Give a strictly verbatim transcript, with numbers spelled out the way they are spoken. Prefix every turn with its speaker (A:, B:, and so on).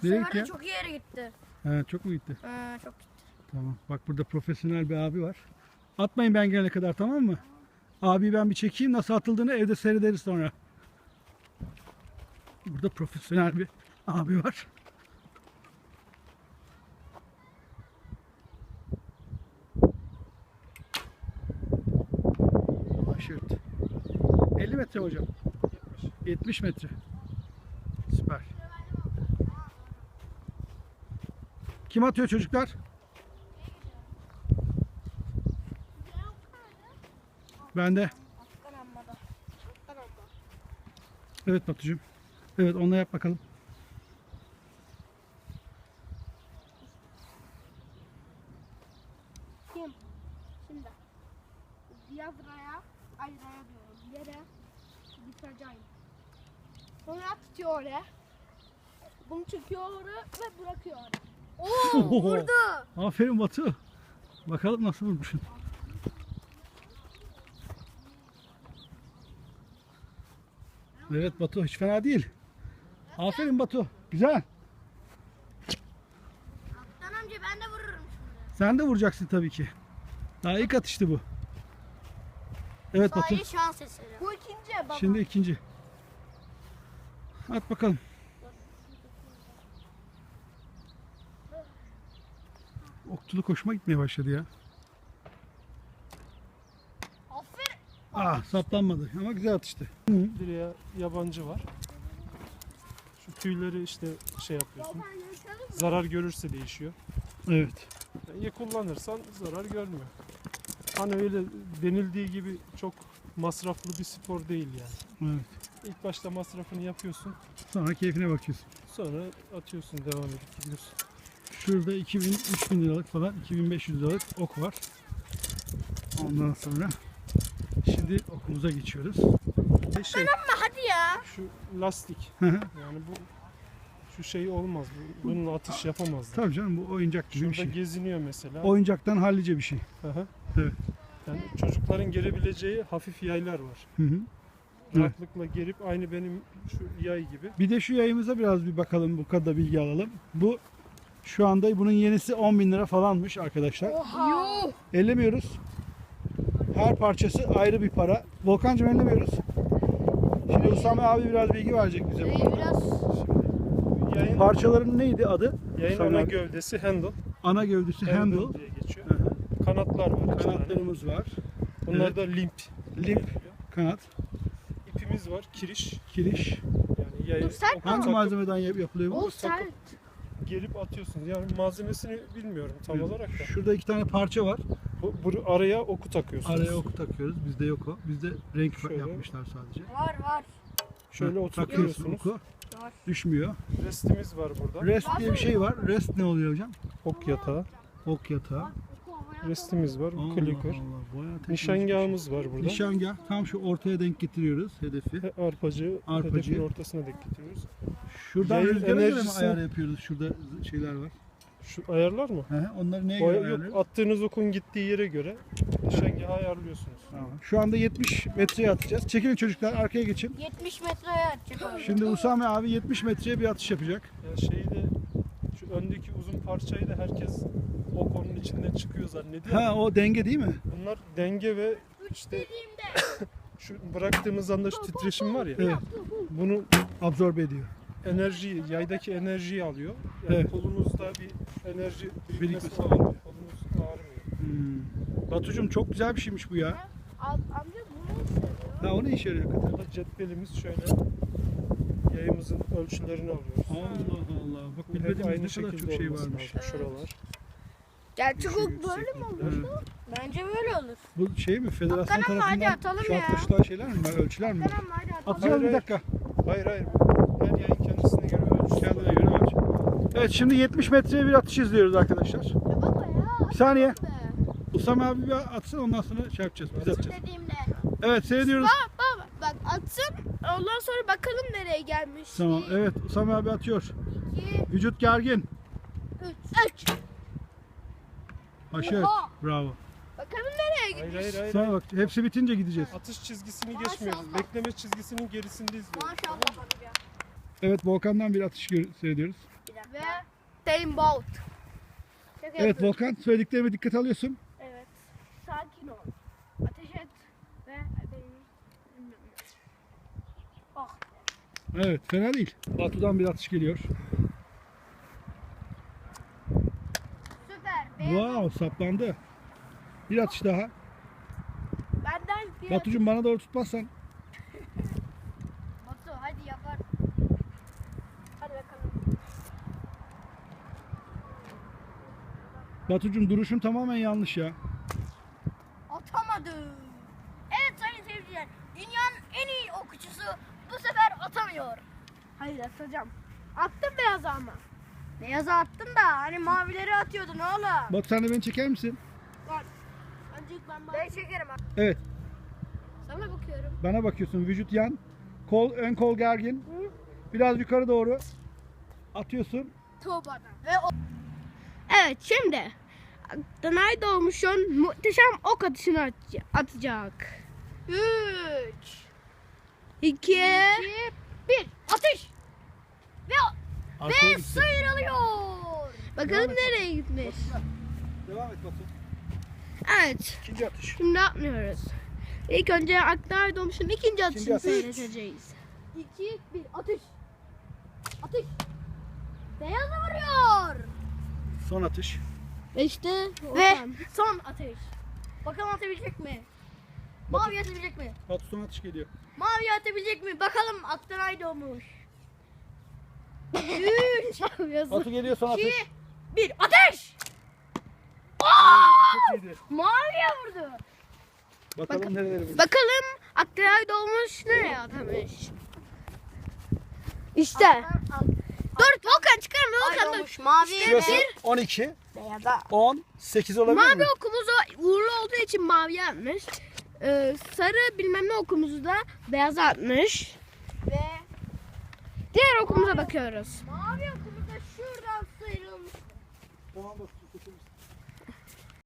A: Bu
B: Nereye
A: sefer
B: gitti
A: de
B: ya?
A: çok iyi yere gitti.
B: He, çok mu gitti?
A: Ha, çok gitti.
B: Tamam. Bak burada profesyonel bir abi var. Atmayın ben gelene kadar, tamam mı? Abi ben bir çekeyim, nasıl atıldığını evde seyrederiz sonra. Burada profesyonel bir abi var. Aşırt. elli metre mi hocam? yetmiş metre. Süper. Kim atıyor çocuklar? Ben de.
A: Afgan ammada. Afgan amma.
B: Evet Batucuğum. Evet, onunla yap bakalım.
A: Kim? Şimdi. Yazraya, ay raya diyorum. Yere bitireceğim. Sonra tutuyor oraya. Bunu çekiyor oraya ve bırakıyor oraya. Oo, vurdu.
B: Aferin Batu. Bakalım nasıl vurmuşsun. Evet Batu, hiç fena değil. Aferin Batu. Güzel.
A: Afgan amca ben de vururum şimdi.
B: Sen de vuracaksın tabii ki. Daha ilk atıştı bu. Evet Batu.
A: Sadece şans eseri. Bu ikinci baba.
B: Şimdi ikinci. At bakalım. Okçuluk hoşuma gitmeye başladı ya.
A: Aferin.
B: Ah, saplanmadı ama güzel atıştı.
C: Direğe yabancı var. Şu tüyleri işte şey yapıyorsun. Zarar görürse değişiyor.
B: Evet.
C: Yani iyi kullanırsan zarar görmüyor. Hani öyle denildiği gibi çok masraflı bir spor değil yani.
B: Evet.
C: İlk başta masrafını yapıyorsun.
B: Sonra keyfine bakıyorsun.
C: Sonra atıyorsun, devam edip gidiyorsun.
B: Şurada iki bin üç bin liralık falan, iki bin beş yüz liralık ok var. Ondan sonra şimdi okumuza geçiyoruz.
C: Bir şey,
A: Hadi ya.
C: şu lastik.
B: Hı hı.
C: Yani bu şu şey olmaz. bu- Bununla atış yapamazlar.
B: Tabii canım, bu oyuncak gibi bir
C: Şurada
B: şey.
C: geziniyor mesela.
B: Oyuncaktan hallice bir şey.
C: Hı hı.
B: Evet.
C: Yani çocukların gerebileceği hafif yaylar var.
B: Hı hı. Evet.
C: Rahatlıkla gerip aynı benim şu yay gibi.
B: Bir de şu yayımıza biraz bir bakalım, bu kadar bilgi alalım. Bu şu anda bunun yenisi on bin lira falanmış arkadaşlar.
A: Yuh.
B: Ellemiyoruz. Her parçası ayrı bir para. Volkancığım ellemiyoruz. Şimdi Usame abi biraz bilgi verecek bize. bu
A: Ee,
B: konuda.
A: biraz
C: Şimdi yayın,
B: Parçaların neydi adı?
C: yayın
B: Usame
C: ana
B: abi.
C: gövdesi handle.
B: Ana gövdesi handle.
C: diye geçiyor.
B: Hı hı.
C: Kanatlar var. iki tane.
B: Kanatlarımız var.
C: Bunlar
B: Evet.
C: da limp.
B: Limp kanat,
C: İpimiz var. Kiriş.
B: kiriş.
C: Yani yayı
A: Dur, sert mi?
B: Hangi
C: takıp
B: malzemeden yap- yapılıyor bu?
A: o sert.
C: gelip atıyorsunuz. Yani malzemesini bilmiyorum tam
B: Evet.
C: olarak da.
B: Şurada iki tane parça var.
C: Bu, bu araya oku takıyorsunuz.
B: Araya oku takıyoruz. Bizde yok o. Bizde renk
C: Şöyle.
B: yapmışlar sadece.
A: Var var.
C: Şöyle
B: Hı, takıyorsun
C: oturtuyorsunuz.
B: oku.
A: Var.
B: Düşmüyor.
C: Restimiz var burada.
B: Rest diye bir şey var. Rest ne oluyor hocam?
C: Ok yatağı.
B: Ok yatağı.
C: Restimiz var.
B: Allah
C: Clicker.
B: Allah. Bayağı teknolojik bir
C: Nişangahımız var
B: şey.
C: burada.
B: Nişangah. Tam şu ortaya denk getiriyoruz hedefi.
C: Ve arpacı,
B: Arpacı.
C: hedefin ortasına denk getiriyoruz.
B: Şuradan
C: Yayın
B: rüzgara göre mi
C: enerjisi-
B: ayar yapıyoruz? Şurada şeyler var.
C: Şu ayarlar mı?
B: He, onları neye
C: O,
B: göre
C: yok,
B: ayarlıyoruz?
C: attığınız okun gittiği yere göre nişangahı ayarlıyorsunuz.
B: Tamam. Şu anda yetmiş metreye atacağız. Çekilin çocuklar, arkaya geçin.
A: yetmiş metreye atacak abi.
B: Şimdi Usame abi yetmiş metreye bir atış yapacak.
C: Yani şeyi de şu öndeki uzun parçayı da herkes o konunun içinden çıkıyor zannediyor.
B: Ha, o denge değil mi?
C: Bunlar denge ve
A: Üç
C: işte
A: dediğimde.
C: şu bıraktığımız anda şu titreşim var ya.
B: Evet.
C: Bunu
B: Absorbe ediyor.
C: enerjiyi, yaydaki enerjiyi alıyor. Yani
B: Evet.
C: kolunuzda bir enerji birikmesi
B: Birikmesi
C: olmuyor. Kolunuz ağrımıyor.
B: Hmm. Batucuğum, çok güzel bir şeymiş bu ya.
A: Am- Amca bunu seviyor.
B: Ha, o ne işe yarıyor hakikaten?
C: Burada cetvelimiz şöyle yayımızın ölçülerini alıyoruz.
B: Allah Allah. Bak
C: Bu hep
B: bilmediğimiz
C: aynı
B: ne kadar
C: şekilde
B: çok şey
C: olması
B: varmış.
C: lazım. Şuralar.
A: Gerçek
C: Şu
A: ok böyle mi olur?
C: yükseklikler.
B: Evet.
A: Bence böyle olur.
B: Bu şey mi? Federasyon
A: Hakan ama hadi
B: tarafından
A: atalım
B: şu
A: ya.
B: atlaşılan şeyler mi var? Ölçüler mi var?
A: Tamam hadi atalım.
B: Atacağız bir
C: Hayır,
B: dakika.
C: Hayır hayır. Her yayın kendisine göre ölçüsü
B: Kendine
C: var.
B: göre ölç. Evet, şimdi yetmiş metreye bir atış izliyoruz arkadaşlar.
A: Ya baba ya.
B: Bir saniye.
A: Be.
B: Usame abi bir atsın, ondan sonra şey yapacağız. Biz atacağız.
A: Dediğimde.
B: Evet, seyrediyoruz.
A: Baba bak atsın. Ondan sonra bakalım nereye gelmiş.
B: Tamam. Evet, Usame abi atıyor.
A: İki,
B: Vücut gergin.
A: üç. Üç.
B: Haşır.
A: Oha.
B: Bravo.
A: Bakalım nereye
C: Hayır
A: gitmiş.
C: hayır hayır.
B: Sonra bak, hepsi bitince gideceğiz.
C: Atış çizgisini
A: Maşallah.
C: geçmiyoruz. Bekleme çizgisinin gerisindeyiz diyoruz.
A: Maşallah amca.
B: Evet, Volkan'dan bir atış gör- seyrediyoruz.
A: Ve Usain Bolt. Şaka
B: Evet
A: yapıyorum.
B: Volkan, söylediklerime dikkat alıyorsun.
A: Evet. Sakin ol. Ateş et ve benim Oh.
B: Evet, fena değil. Batu'dan bir atış geliyor.
A: Süper. Beyaz.
B: Wow, saplandı. Bir atış daha.
A: Benden bir
B: Batucuğum bana doğru tutmazsan.
A: Batu hadi yapar. Hadi bakalım.
B: Batucuğum duruşun tamamen yanlış ya.
A: Atamadı. Evet sayın seyirciler. Dünyanın en iyi okçusu bu sefer atamıyor. Hayır atacağım. Attım beyazı ama. Beyazı attın da hani mavileri atıyordun oğlum.
B: Batu sen de beni çeker misin?
A: Bak. Ancak ben Ben çekerim.
B: Evet,
A: Sana bakıyorum.
B: bana bakıyorsun. Vücut yan. Kol, ön kol gergin. Biraz yukarı doğru. Atıyorsun.
A: Tuğba'dan. Ve o... Evet şimdi Danay Doğmuş'un muhteşem ok atışını at- atacak. üç iki bir Atış! Ve,
B: Arkaya
A: ve
B: gitti.
A: sıyrılıyor. Bakalım
B: Devam et.
A: nereye gitmiş.
B: Devam et Batu.
A: Evet.
B: İkinci atış.
A: Şimdi yapmıyoruz. İlk önce Akdağ Doğmuş'un ikinci atışını
B: atış.
A: seyredeceğiz. iki bir Atış! Atış! Beyazı vuruyor.
B: Son atış.
A: Ve işte ve son atış. Bakalım atabilecek mi? Mavi atabilecek mi?
B: Batu son atış geliyor.
A: Mavi atabilecek mi? Bakalım Aktaray doğmuş. üç
B: Batu geliyor son atış.
A: iki bir Ateş!
B: Çok iyiydi.
A: Maviye vurdu.
B: Bakalım
A: Bak-
B: nerelere vurdu.
A: Bakalım Aktaray doğmuş nereye atamış? İşte. Dur Volkan çıkarma Volkan dur. Mavi
B: Şurası on iki,
A: beyaza.
B: on, sekiz olabilir
A: Mavi
B: mi?
A: okumuzu uğurlu olduğu için mavi atmış. Ee, sarı bilmem ne okumuzu da beyaz atmış. Ve diğer okumuza bakıyoruz. Mavi okumuz da şuradan sıyrılmış.
B: Tamam Batu, seçebilirsin.